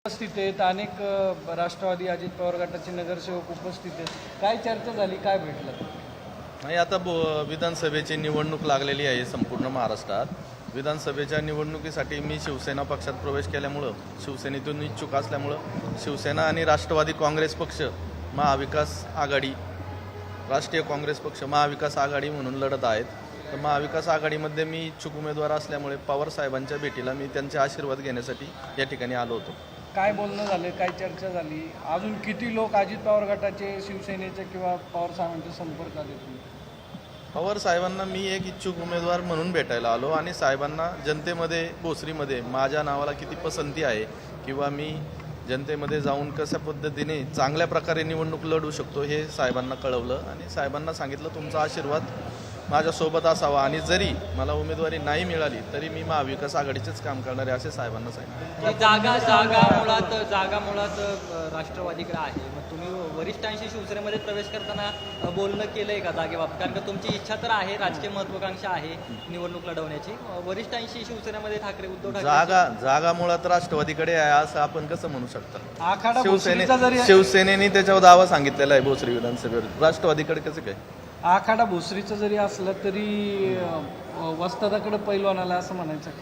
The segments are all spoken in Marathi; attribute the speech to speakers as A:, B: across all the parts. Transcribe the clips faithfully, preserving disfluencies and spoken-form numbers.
A: उपस्थित आहेत अनेक अ, राष्ट्रवादी अजित पवार गटाचे नगरसेवक उपस्थित आहेत. काय चर्चा झाली, काय भेटलं?
B: नाही, आता बो विधानसभेची निवडणूक लागलेली आहे संपूर्ण महाराष्ट्रात. विधानसभेच्या निवडणुकीसाठी मी शिवसेना पक्षात प्रवेश केल्यामुळं, शिवसेनेतून इच्छुक असल्यामुळं शिवसेना आणि राष्ट्रवादी काँग्रेस पक्ष महाविकास आघाडी, राष्ट्रीय काँग्रेस पक्ष महाविकास आघाडी म्हणून लढत आहेत. तर महाविकास आघाडीमध्ये मी इच्छुक उमेदवार असल्यामुळे पवार साहेबांच्या भेटीला मी त्यांचे आशीर्वाद घेण्यासाठी या ठिकाणी आलो होतो.
A: काय बोलणं झालं, काय चर्चा झाली? अजून किती लोक अजित पवार गटाचे, शिवसेनेचे किंवा पवार साहेबांच्या संपर्कात येतील?
B: पवार साहेबांना मी एक इच्छुक उमेदवार म्हणून भेटायला आलो आणि साहेबांना जनतेमध्ये भोसरीमध्ये माझ्या नावाला किती पसंती आहे किंवा मी जनतेमध्ये जाऊन कशा पद्धतीने चांगल्या प्रकारे निवडणूक लढू शकतो हे साहेबांना कळवलं आणि साहेबांना सांगितलं तुमचा आशीर्वाद माझ्यासोबत असावा आणि जरी मला उमेदवारी नाही मिळाली तरी मी महाविकास आघाडीचेच काम करणार आहे असे साहेबांना सांगितलं.
C: जागा जागा मुळात जागा मुळात अ, राष्ट्रवादीकडे आहे. मग तुम्ही वरिष्ठांशी शिवसेनेमध्ये प्रवेश करताना अ, बोलणं केलंय का जागेबाबत? कारण का तुमची इच्छा तर आहे, राजकीय महत्वाकांक्षा आहे निवडणूक लढवण्याची. अ, वरिष्ठांशी शिवसेनेमध्ये ठाकरे उद्धव ठाकरे
B: जागा जागा मुळात राष्ट्रवादीकडे आहे असं आपण कसं म्हणू शकता?
A: आखाडा
B: शिवसेने
A: भोसरीचा जरी
B: शिवसेनेने त्याच्यावर दावा सांगितलेला आहे भोसरी विधानसभेवर, राष्ट्रवादीकडे कसं काय?
A: आखाडा भोसरीचं जरी असलं तरी अ, वस्तादाकडे पैलवानाला असं म्हणायचं.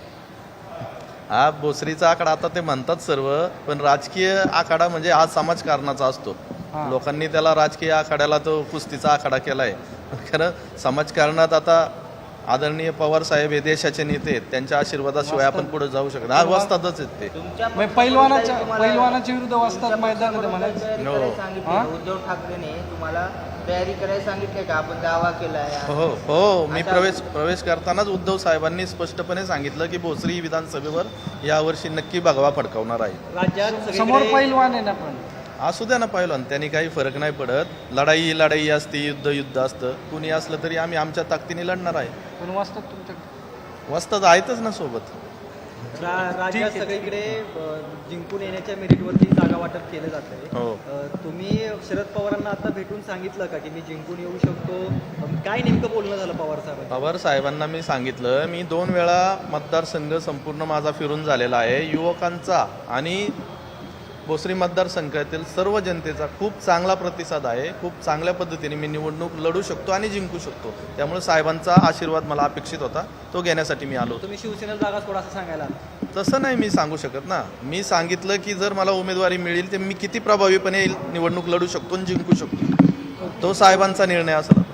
B: हा भोसरीचा आखाडा आता ते म्हणतात सर्व, पण राजकीय आखाडा म्हणजे हा समाजकारणाचा असतो.
A: हां.
B: लोकांनी त्याला राजकीय आखाड्याला तो कुस्तीचा आखाडा केलाय. खरं समाजकारणात आता आदरणीय पवार साहेब हे देशाचे नेते आहेत, त्यांच्या आशीर्वादाशिवाय आपण पुढे जाऊ शकत. हा वस्तातच आहेत ते.
A: मग पैलवानाच्या पैलवानाच्या विरुद्ध वस्ताद मैदानामध्ये म्हणायचं.
B: No.
A: हां?
D: उद्धव ठाकरेने तुम्हाला तयारी करायला सांगितले का? आपण दावा केलाय.
B: हो हो मी प्रवेश प्रवेश करतानाच उद्धव साहेबांनी स्पष्टपणे सांगितलं की भोसरी विधानसभेवर यावर्षी नक्की भगवा फडकावणार आहे.
C: राज्यात
A: समोर
C: सगळीकडे
A: पैलवान आहे ना, पण
B: असू द्या ना पहिलवान, त्यांनी काही फरक नाही पडत. लढाई ही लढाई असते, युद्ध युद्ध असतं. कुणी असलं तरी आम्ही आमच्या ताकदीने लढणार आहे.
A: पण वस्ताद तुमच्या
B: वस्ताद आहेतच ना सोबत.
C: रा- राज्यात
A: आहे.
C: सगळीकडे अ, जिंकून येण्याच्या मेरिटवरती जागा वाटप केलं जात आहे.
B: हो.
C: तुम्ही शरद पवारांना आता भेटून सांगितलं का की मी जिंकून येऊ शकतो? अ, काय नेमकं बोलणं झालं पवार साहेबांचं?
B: पवार साहेबांना मी सांगितलं, मी दोन वेळा मतदारसंघ संपूर्ण माझा फिरून झालेला आहे. युवकांचा आणि भोसरी मतदारसंघातील सर्व जनतेचा खूप चांगला प्रतिसाद आहे. खूप चांगल्या पद्धतीने मी निवडणूक लढू शकतो आणि जिंकू शकतो. त्यामुळे साहेबांचा आशीर्वाद मला अपेक्षित होता, तो घेण्यासाठी मी आलो.
C: तुम्ही शिवसेनेला जागा सोडा असं सांगायला आला.
B: तसं नाही मी सांगू शकत ना. मी सांगितलं की जर मला उमेदवारी मिळेल तर मी किती प्रभावीपणे निवडणूक लढू शकतो आणि जिंकू शकतो. तो साहेबांचा निर्णय असला.